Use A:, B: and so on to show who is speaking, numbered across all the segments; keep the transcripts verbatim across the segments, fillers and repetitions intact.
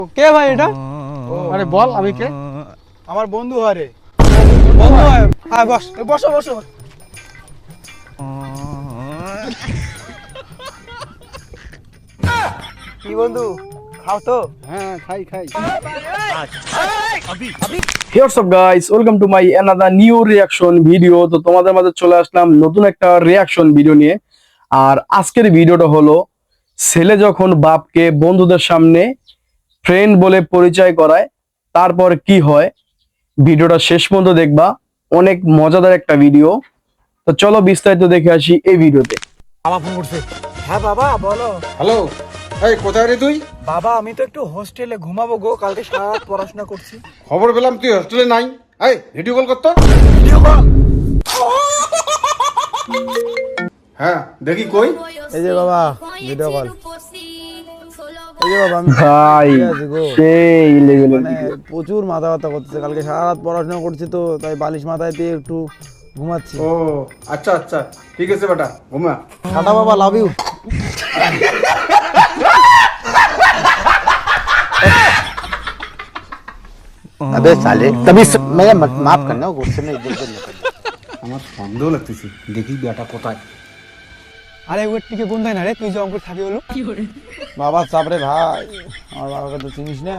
A: কে ভাই এটা?
B: আরে বল আমি কে?
A: আমার বন্ধু হয় রে। বন্ধু হয়। হ্যাঁ বস, বসো বসো। কি বন্ধু, খাও তো?
B: হ্যাঁ খাই খাই।
C: What's up guys, welcome to my another new reaction video. তো তোমাদের মাঝে চলে আসলাম নতুন একটা রিয়াকশন ভিডিও নিয়ে। আর আজকের ভিডিওটা হলো ছেলে যখন বাপকে বন্ধুদের সামনে ফ্রেন্ড বলে পরিচয় করায় তারপর কি হয়, ভিডিওটা শেষ পর্যন্ত দেখবা। অনেক মজাদার একটা ভিডিও। তো চলো বিস্তারিত দেখে আসি এই ভিডিওতে।
A: বাবা ফোন করছে। হ্যাঁ বাবা বলো।
B: হ্যালো, এই কোথায় রে তুই?
A: বাবা আমি তো একটু হোস্টেলে ঘুমাবো গো, কালকে সারা রাত পড়াশোনা করছি।
B: খবর পেলাম তুই হোস্টেলে নাই। এই ভিডিও কল করতো।
A: Video call.
B: হ্যাঁ দেখি কই।
A: এই যে বাবা ভিডিও কল। এই যে বাবা আমি
C: ভাই
A: ঠিক আছে গো।
C: সেই লেভেলের
A: মানে
C: ভিডিও।
A: প্রচুর মাথা ব্যথা করতেছে, কালকে সারা রাত পড়াশোনা করছি তো তাই বালিশ মাথায় দিয়ে একটু ঘুমাচ্ছি।
B: ও আচ্ছা আচ্ছা ঠিক আছে বেটা, ঘুমা।
A: টাটা বাবা, লাভ ইউ।
D: अबे साले तभी स... मैं माफ करना गुस्से में इधर उधर निकल
B: আমার সন্দেহ লাগতেছে, দেখি বেটা কোথায়।
A: আরে ওর টিকে কোন দেয় না রে, তুই যে অঙ্কুর থাকি হলো বাবা চাপ রে ভাই, আমার বাবাকে তো চিনিস না।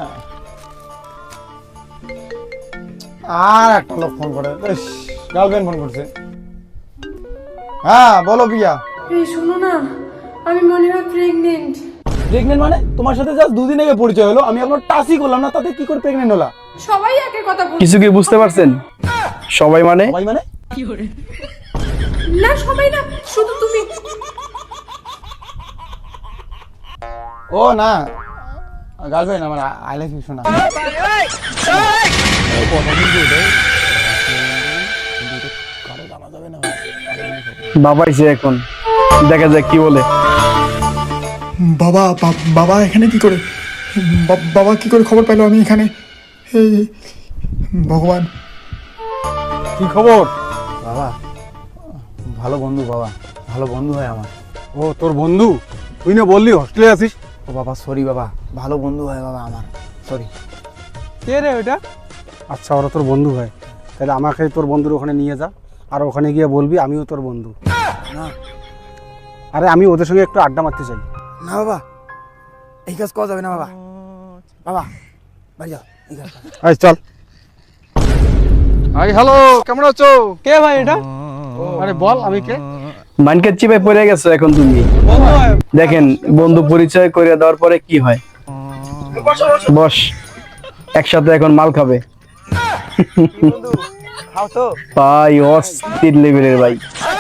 A: আর একটা লোক ফোন করে, গার্লফ্রেন্ড ফোন করছে। হ্যাঁ বলো বিয়া।
E: এই শোনো না, আমি মনে হয় প্রেগনেন্ট।
A: প্রেগনেন্ট মানে? তোমার সাথে জাস্ট দুদিন আগে পরিচয় হলো, আমি এখন টাচই করলাম না, তাতে কি করে প্রেগনেন্ট হলা?
E: সবাই একই কথা বলছে।
C: কিছু কি বুঝতে পারছেন? সবাই মানে
A: ভাই মানে
E: না সবাই না, শুধু তুমি।
A: ও না, গার্লফ্রেন্ড আমার, আই লাভ ইউ শোনা।
C: বাবাইছে এখন, দেখা যাক কি বলে।
F: বাবা বা- বাবা এখানে কি করে? বা- বাবা কি করে খবর পেলো আমি এখানে? এই ভগবান।
A: কি খবর? বাবা ভালো বন্ধু, বাবা ভালো বন্ধু হয় আমার।
B: ও তোর বন্ধু? তুই না বললি হোস্টেলে আছিস?
A: ও বাবা সরি বাবা, ভালো বন্ধু হয় বাবা আমার, সরি। কে রে ওটা?
B: আচ্ছা ওরা তোর বন্ধু হয়, তাহলে আমাকে তোর বন্ধুর ওখানে নিয়ে যা, আর ওখানে গিয়ে বলবি আমিও তোর বন্ধু।
A: না
B: আরে আমি ওদের সঙ্গে একটু আড্ডা মারতে চাই।
A: না বাবা, এই কাজ করা যাবে না বাবা। বাবা বাড়ি যাও, এই কাজ করা-
B: আয় চল। আই হ্যালো, কেমন আছো?
A: কে ভাই এটা?
B: আরে বল আমি কে?
C: মাইনকের চিপে পড়ে গেছো এখন তুমি। দেখেন বন্ধু পরিচয় করে দেওয়ার পরে কি হয়। বস, একসাথে এখন মাল খাবে।
A: বন্ধু খাও তো?
C: ভাই অস্থির লেভেলের ভাই।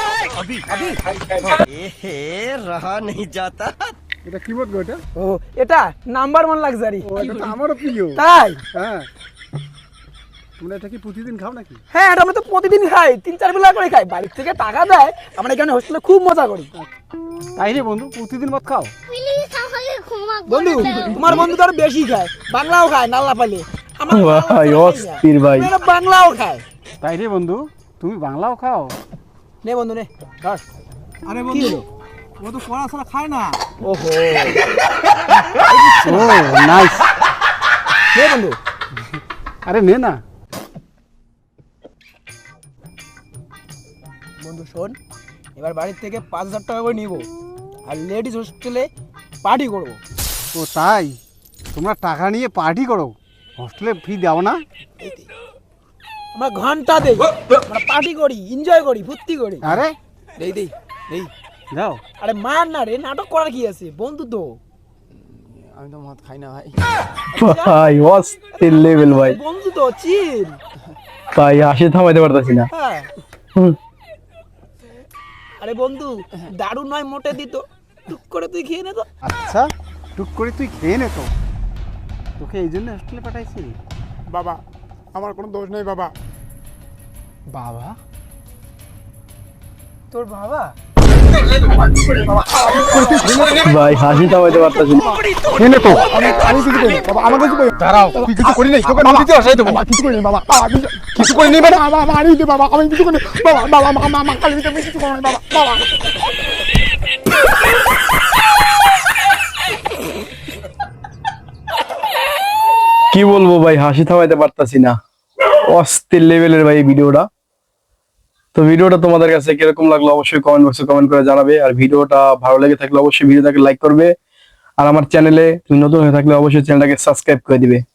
B: এটা কি বলবো এটা?
A: ও এটা নাম্বার ওয়ান লাক্সারি।
B: ও এটা তো আমারও প্রিয়।
A: তাই?
B: হ্যাঁ, তোমরা এটা কি প্রতিদিন খাও নাকি?
A: হ্যাঁ এটা আমরা তো প্রতিদিন খাই, তিন চার বেলা করে খাই, বাড়ির থেকে টাকা দেয়, আমরা এখানে হোস্টেলে খুব মজা করি।
B: তাই রে বন্ধু, প্রতিদিন ভাত খাও?
A: বন্ধু তোমার বন্ধু তো আরো বেশি খায়, বাংলাও খায় নাল্লা পাইলে। আমার
C: ভাই অস্থির ভাই।
A: এরা বাংলাও খায়।
B: তাই রে বন্ধু, তুমি বাংলাও খাও?
A: নে বন্ধু নে ধর। আরে বন্ধু ও তো পড়াশোনা খায় না। ওহো
B: ও নাইস।
A: নে বন্ধু।
B: আরে নে না।
A: বন্ধু শোন, এবার বাড়ির থেকে পাঁচ হাজার টাকা করে নিবো, আর লেডিস হোস্টেলে পার্টি করবো।
B: ও তাই? তোমরা টাকা নিয়ে পার্টি করো, হোস্টেলে ফি দাও না?
A: আমরা ঘন্টা দেই, আমরা পার্টি করি, এনজয় করি, ফুর্তি করি।
B: আরে
A: দেই দেই দেই।
B: যাও।
A: আরে মার না রে, নাটক করার কি আছে, বন্ধু তো। আমি তো মদ খাই না ভাই।
C: ভাই অস্থির লেভেল ভাই।
A: বন্ধু তো চিল।
C: ভাই হাসি থামাইতে পারতাছি না।
A: হ্যাঁ
C: হুম।
A: আরে বন্ধু দারুণ নয়, মোটে দিত, টুক করে তুই খেয়ে নে তো।
B: আচ্ছা টুক করে তুই খেয়ে নে তো, তোকে এই জন্য হোস্টেলে পাঠাইছি।
F: বাবা আমার কোনো দোষ নেই বাবা।
A: বাবা? তোর বাবা?
C: ভাই হাসি থামাইতে পারতাছি না।
B: খেয়ে নে তো।
F: আমি আমি কিছু করিনি বাবা, আমাকে কিছু করিনি।
B: দাঁড়াও, তুই কিছু করি নাই, তোকে নদীতে আসাই দেবো।
F: বাবা কিছু করিনি বাবা, বাবা কিছু
B: কিছু করি নেই মানে?
F: বাবা বাবা আরে দিতে বাবা, আমি কিছু করিনি বাবা। বাবা মা মা মা কালি দিতে আমি কিছু করিনি বাবা। বাবা
C: কি বলবো ভাই, হাসি থামাইতে পারতাছি না, অস্থির লেভেলের ভাই এই ভিডিওটা। তো ভিডিওটা তোমাদের কাছে কিরকম লাগলো অবশ্যই কমেন্ট বক্সে কমেন্ট করে জানাবে। আর ভিডিওটা ভালো লেগে থাকলে অবশ্যই ভিডিওটাকে লাইক করবে। আর আমার চ্যানেলে তুমি নতুন হয়ে থাকলে অবশ্যই চ্যানেলটাকে সাবস্ক্রাইব করে দিবে।